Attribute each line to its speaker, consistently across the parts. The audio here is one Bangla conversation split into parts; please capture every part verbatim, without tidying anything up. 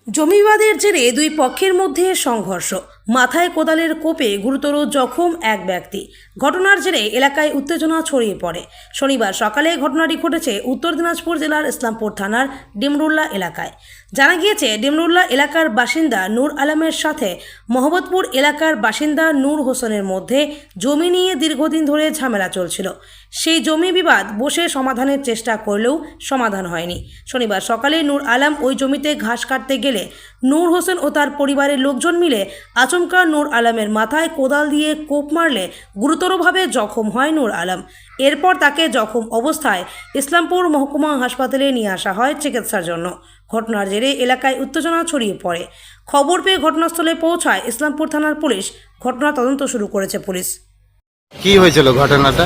Speaker 1: জমি বিবাদের জেরে দুই পক্ষের মধ্যে সংঘর্ষ, মাথায় কোদালের কোপে গুরুতর জখম এক ব্যক্তি। ঘটনার জেরে এলাকায় উত্তেজনা ছড়িয়ে পড়ে। শনিবার সকালে ঘটনাটি ঘটেছে উত্তর দিনাজপুর জেলার ইসলামপুর থানার ডিমরুল্লা এলাকায়। জানা গিয়েছে, ডিমরুল্লা এলাকার বাসিন্দা নূর আলমের সাথে মোহাম্মদপুর এলাকার বাসিন্দা নূর হোসেনের মধ্যে জমি নিয়ে দীর্ঘদিন ধরে ঝামেলা চলছিল। সেই জমি বিবাদ বসে সমাধানের চেষ্টা করলেও সমাধান হয়নি। শনিবার সকালে নূর আলম ওই জমিতে ঘাস কাটতে গেলে নূর হোসেন ও তার পরিবারের লোকজন মিলে আচমকা নূর আলমের মাথায় কোদাল দিয়ে কোপ মারলে গুরুতরভাবে জখম হয় নূর আলম। এরপর তাকে জখম অবস্থায় ইসলামপুর মহকুমা হাসপাতালে নিয়ে আসা হয় চিকিৎসার জন্য। ঘটনার জেরে এলাকায় উত্তেজনা ছড়িয়ে পড়ে। খবর পেয়ে ঘটনাস্থলে পৌঁছায় ইসলামপুর থানার পুলিশ। ঘটনা তদন্ত শুরু করেছে পুলিশ।
Speaker 2: কি হয়েছিল ঘটনাটা?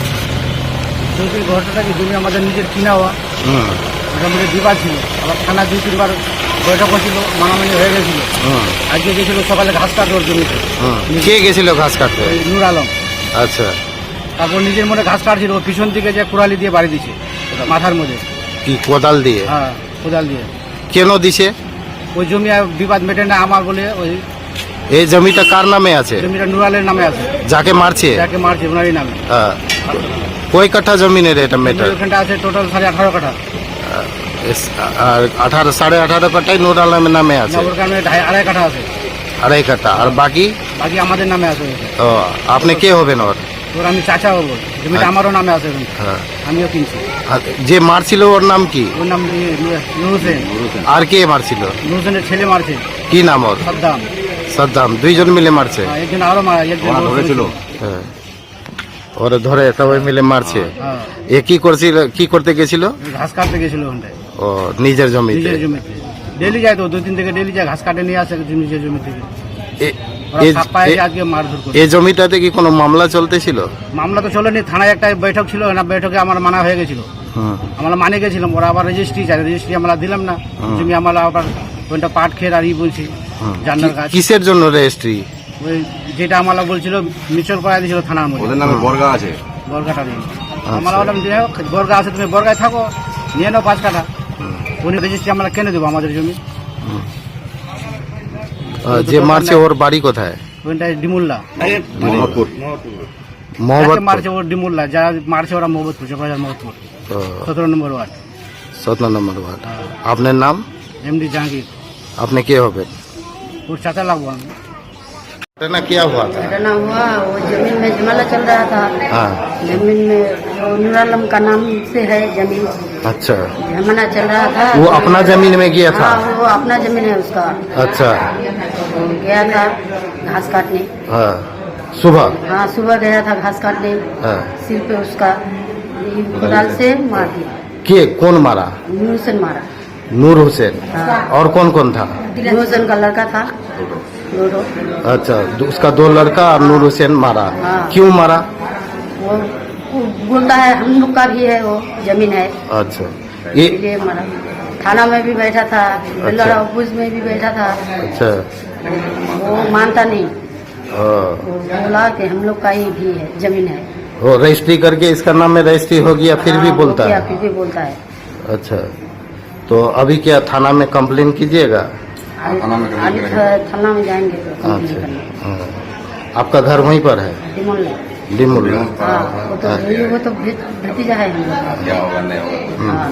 Speaker 3: ঘটনাটা কি জমি আমাদের নিজের কিনা হওয়া, মোটামুটি বিবাদ ছিল। আবার থানা দুই তিনবার বৈঠক হয়েছিল, মানামানি হয়ে গেছিল। আজকে গেছিল সকালে ঘাস কাটবে ওর জমিতে।
Speaker 2: কে গেছিল ঘাস কাটতে?
Speaker 3: ওই নূর আলম।
Speaker 2: আচ্ছা,
Speaker 3: তারপর নিজের মনে ঘাস কাটছিল, ও পিছন দিকে যে কুড়ালি দিয়ে বাড়ি দিছে মাথার মধ্যে।
Speaker 2: কি কোদাল দিয়ে?
Speaker 3: হ্যাঁ, কোদাল দিয়ে।
Speaker 2: কেন দিছে?
Speaker 3: ওই জমি আর বিবাদ মেটে না আমার বলে। ওই
Speaker 2: এই জমিটা কার নামে আছে?
Speaker 3: জমিটা নূর আলের নামে আছে।
Speaker 2: যাকে মারছে?
Speaker 3: যাকে মারছে ওনারই নামে।
Speaker 2: হ্যাঁ। কয় কাঠা জমিনের এটা মেটার?
Speaker 3: ওখানটা আছে টোটাল সাড়ে আঠারো কাঠা।
Speaker 2: আর আঠারো সাড়ে আঠারো কাঠাই নূর আলমের নামে আছে।
Speaker 3: ওর কারণে আড়াই কাঠা আছে।
Speaker 2: আড়াই কাঠা। আর বাকি?
Speaker 3: বাকি আমাদের নামে আছে।
Speaker 2: ও, আপনি কে হবেন ওর?
Speaker 3: ওর আমি চাচা হবো। জমিটা আমারও নামে আছে।
Speaker 2: হ্যাঁ।
Speaker 3: আমিও কিনছি।
Speaker 2: আর যে মারছিল ওর নাম কি?
Speaker 3: ওর নাম নূর হোসেন।
Speaker 2: আর কে মারছিল?
Speaker 3: নূর হোসেনের ছেলে মারছে।
Speaker 2: কি নাম ওর?
Speaker 3: সাদ্দাম।
Speaker 2: সাদ্দাম। দুইজন মিলে মারছে?
Speaker 3: হ্যাঁ, একজন আরো মারা, একজন ধরেছিল।
Speaker 2: হ্যাঁ, ওরা ধরে সবাই মিলে মারছে।
Speaker 3: হ্যাঁ।
Speaker 2: এ কি করছিল? কি করতে গেছিল?
Speaker 3: ঘাস কাটতে গেছিল ওখানটায়।
Speaker 2: ও, নিজের জমিতে?
Speaker 3: নিজের জমিতে ডেলি যায় তো, দুই দিন থেকে ডেলি যায় ঘাস কাটে নিয়ে আসে নিজের জমি থেকে।
Speaker 2: এ-
Speaker 3: ওরা
Speaker 2: এ-
Speaker 3: সাপ পায়ে
Speaker 2: এ-
Speaker 3: আজকে মারধর করে।
Speaker 2: এই জমিটাতে কি কোনো মামলা চলতেছিল?
Speaker 3: মামলা তো চলেনি, থানায় একটা বৈঠক ছিল, না বৈঠকে আমার মানা হয়ে গেছিল।
Speaker 2: হুম।
Speaker 3: আমরা মানে গেছিলাম, ওরা আবার রেজিস্ট্রি চাই, রেজিস্ট্রি আমরা দিলাম না। জমি আমরা আবার ওইটা পাট খেয়ে আর ই বলছি
Speaker 2: হুম।
Speaker 3: জান্নার গাছ।
Speaker 2: কিসের জন্য রেজিস্ট্রি?
Speaker 3: ওই যেটা আমরা বলছিল মিচর করা দিয়েছিল থানার মধ্যে।
Speaker 4: ওদের নামে বর্গা আছে।
Speaker 3: বর্গাটা নিয়ে আমরা বললাম যে বর্গা আছে, তুমি বর্গায় থাকো, নিয়ে নাও পাঁচ কাঠা। উনি রেজিস্ট্রি আমরা কেনে দেবো আমাদের জমি।
Speaker 2: আহ, যে মারছে ওর বাড়ি কোথায়?
Speaker 3: ওইটা ডিমুল্লা।
Speaker 4: মোহাম্মদপুর।
Speaker 3: যাকে
Speaker 2: মোহাম্মদপুর।
Speaker 3: মারছে ওর ডিমুল্লা, যারা মারছে ওরা মোহাম্মদপুর, চকরাজার মোহাম্মদপুর,
Speaker 2: ও,
Speaker 3: সতেরো নম্বর ওয়ার্ড।
Speaker 2: সতেরো নম্বর ওয়ার্ড। আপনার নাম?
Speaker 3: एमडी जहांगीर।
Speaker 2: আপনি কে হবেন?
Speaker 3: और चाचा लगवा
Speaker 2: घटना क्या हुआ था?
Speaker 5: घटना हुआ, वो जमीन में झमेला चल रहा था।
Speaker 2: हाँ।
Speaker 5: जमीन में वो नूर आलम का नाम से है जमीन,
Speaker 2: अच्छा,
Speaker 5: झमेला चल रहा था।
Speaker 2: वो अपना जमीन में गया था?
Speaker 5: हाँ, वो अपना जमीन है उसका।
Speaker 2: अच्छा।
Speaker 5: तो गया था घास काटने।
Speaker 2: हाँ, सुबह?
Speaker 5: हाँ, सुबह गया था घास काटने।
Speaker 2: हाँ।
Speaker 5: सिर पे उसका ये कुदाल से मार दिया।
Speaker 2: के कौन मारा?
Speaker 5: नूर से मारा।
Speaker 2: नूर हुसैन।
Speaker 5: हाँ।
Speaker 2: और कौन कौन था?
Speaker 5: नूर हुसैन का लड़का था दोनों।
Speaker 2: अच्छा, दो- उसका दो लड़का और नूर हुसैन मारा।
Speaker 5: हाँ।
Speaker 2: क्यों मारा?
Speaker 5: वो वो बोलता है हम लोग का भी है, वो जमीन है,
Speaker 2: अच्छा, ये
Speaker 5: इसलिए मारा। थाना में भी बैठा था, बेलड़ा ऑफिस में भी बैठा था,
Speaker 2: अच्छा।
Speaker 5: वो मानता नहीं।
Speaker 2: हाँ।
Speaker 5: वो बोला कि हम लोग का ही भी है, जमीन है।
Speaker 2: वो रजिस्ट्री करके इसका नाम में रजिस्ट्री हो गया, फिर भी
Speaker 5: हाँ,
Speaker 2: बोलता
Speaker 5: वो क्या,
Speaker 2: है?
Speaker 5: फिर भी बोलता है।
Speaker 2: अच्छा, तो अभी क्या थाना में कंप्लेन कीजिएगा?
Speaker 4: थाना में
Speaker 5: आज थाना में जाएंगे तो कंप्लेन
Speaker 2: अच्छा।
Speaker 5: करने।
Speaker 2: हाँ। आपका घर वहीं पर है?
Speaker 5: डिमोल।
Speaker 2: डिमुल्ला।
Speaker 5: हाँ, वो तो ये वो तो भे- भतीजा है हम लोग का।
Speaker 4: क्या होगा नहीं होगा।
Speaker 5: हाँ,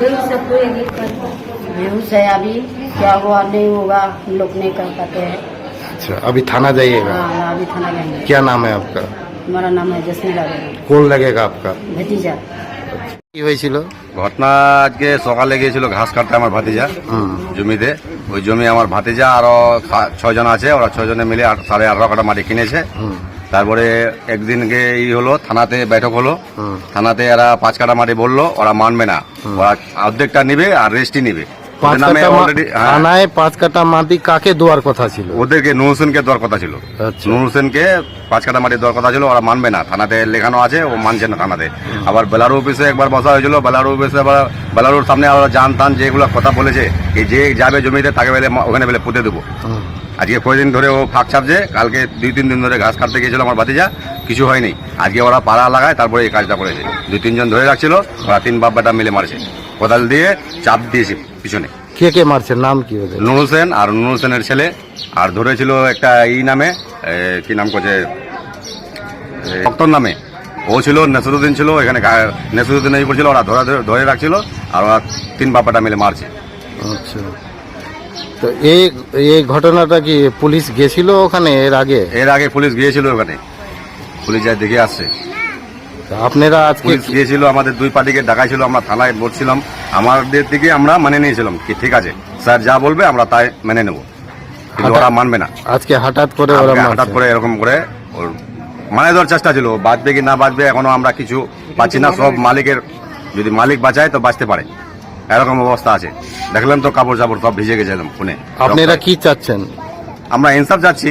Speaker 5: बेहूस है अभी, क्या हुआ नहीं होगा हम लोग नहीं कर पाते हैं।
Speaker 2: अच्छा, अभी थाना जाइएगा?
Speaker 5: हाँ, अभी थाना जाएंगे।
Speaker 2: क्या नाम है आपका?
Speaker 5: हमारा नाम है जसमीला बेगम,
Speaker 2: कौन लगेगा आपका?
Speaker 5: भतीजा।
Speaker 2: কি হয়েছিল?
Speaker 4: ঘটনা আজকে সকালে গিয়েছিল ঘাস কাটতে আমার ভাতিজা
Speaker 2: হুম।
Speaker 4: জমিতে। ওই জমি আমার ভাতিজা আরো খা- ছয় জন আছে, ওরা ছয় জনে মিলে আট- সাড়ে আঠারো কাঠা মাটি কিনেছে।
Speaker 2: হুম।
Speaker 4: তারপরে একদিনকে ই হলো, থানাতে বৈঠক হলো।
Speaker 2: হুম।
Speaker 4: থানাতে এরা পাঁচ কাঠা মাটি বললো, ওরা মানবে না। ওরা অর্ধেকটা নিবে আর রেস্টই নিবে।
Speaker 2: পাঁচ
Speaker 4: ওদের নামে
Speaker 2: কাটা মা-
Speaker 4: already- হ্যাঁ,
Speaker 2: থানায় পাঁচ কাটা মাটি কাকে দেওয়ার কথা ছিল?
Speaker 4: ওদেরকে নূর হোসেনকে দেওয়ার কথা ছিল।
Speaker 2: আচ্ছা।
Speaker 4: নূর হোসেনকে পাঁচ কাটা মাটি দেওয়ার কথা ছিল, ওরা মানবে না। থানাতে লেখানো আছে, ও মানছে না থানাতে। আবার বেলারু অফিসে একবার বসা হয়েছিল, বেলারু অফিসে আবার বেলারুর সামনে আবার জান টান যেগুলো কথা বলেছে, এই যে যাবে জমিতে তাকে বেলে ওখানে বেলে পুঁতে দেবো।
Speaker 2: হুম।
Speaker 4: আজকে কয়েকদিন ধরে ও ফাঁক ছাপছে, কালকে দুই তিন দিন ধরে ঘাস কাটতে গিয়েছিল আমার ভাতিজা, কিছু হয়নি। আজকে ওরা পাড়া লাগায়, তারপরে এই কাজটা করেছে। দুই তিনজন ধরে রাখছিল, ওরা তিন বাপ বেটা মিলে মারছে, কোদাল দিয়ে চাপ দিয়েছে পিছনে।
Speaker 2: কে কে মারছে, নাম কি ওদের?
Speaker 4: নুর হোসেন আর নুর হোসেনের ছেলে, আর ধরেছিল একটা এই নামে এ, কি নাম করছে ভক্তর নামে, ও ছিল, নেসরুদ্দিন ছিল এখানে, গা- নেসরুদ্দিন এই করছিল, ওরা ধরে ধরে রাখছিল আর ওরা তিন বাপাটা মিলে মারছে।
Speaker 2: আচ্ছা, তো এই এই ঘটনাটা কি পুলিশ গেছিল ওখানে এর আগে?
Speaker 4: এর আগে পুলিশ গিয়েছিল ওখানে, পুলিশ যায় দেখে আসছে।
Speaker 2: তা আপনারা আজকে
Speaker 4: পুলিশ গিয়েছিল, আমাদের দুই পার্টিকে ডাকাইছিল, আমরা থানায় বসছিলাম, আমাদের দিকে আমরা মানে নিয়েছিলাম কি ঠিক আছে স্যার যা বলবে আমরা তাই মেনে নেব, কিন্তু ওরা মানবে না।
Speaker 2: আজকে হঠাৎ করে ওরা
Speaker 4: আমাকে
Speaker 2: মারছে।
Speaker 4: হঠাৎ করে এরকম করে ওর মানে দেওয়ার চেষ্টা ছিল, বাঁচবে কি না বাঁচবে এখনো আমরা কিছু পাচ্ছি না, সব মালিকের, যদি মালিক বাঁচায় তো বাঁচতে পারে, এরকম অবস্থা আছে। দেখলাম তো কাপড় চাপড় সব ভিজে গেছে একদম খুনে।
Speaker 2: আপনারা কি চাচ্ছেন?
Speaker 4: আমরা ইনসাফ যাচ্ছি,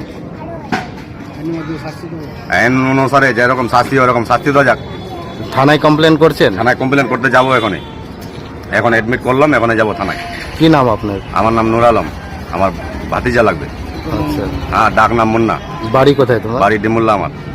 Speaker 4: আইন অনুসারে যেরকম শাস্তি ওরকম শাস্তি দেওয়া যাক।
Speaker 2: থানায় কমপ্লেন করছেন?
Speaker 4: থানায় কমপ্লেন করতে যাবো এখনই, এখন অ্যাডমিট করলাম, এখনই যাবো থানায়।
Speaker 2: কি নাম আপনার?
Speaker 4: আমার নাম নুর আলম, আমার ভাতিজা লাগবে।
Speaker 2: আচ্ছা,
Speaker 4: হ্যাঁ, ডাক নাম মুন্না,
Speaker 2: বাড়ি কোথায় তোমার?
Speaker 4: বাড়ি ডিমুল্লা আমার।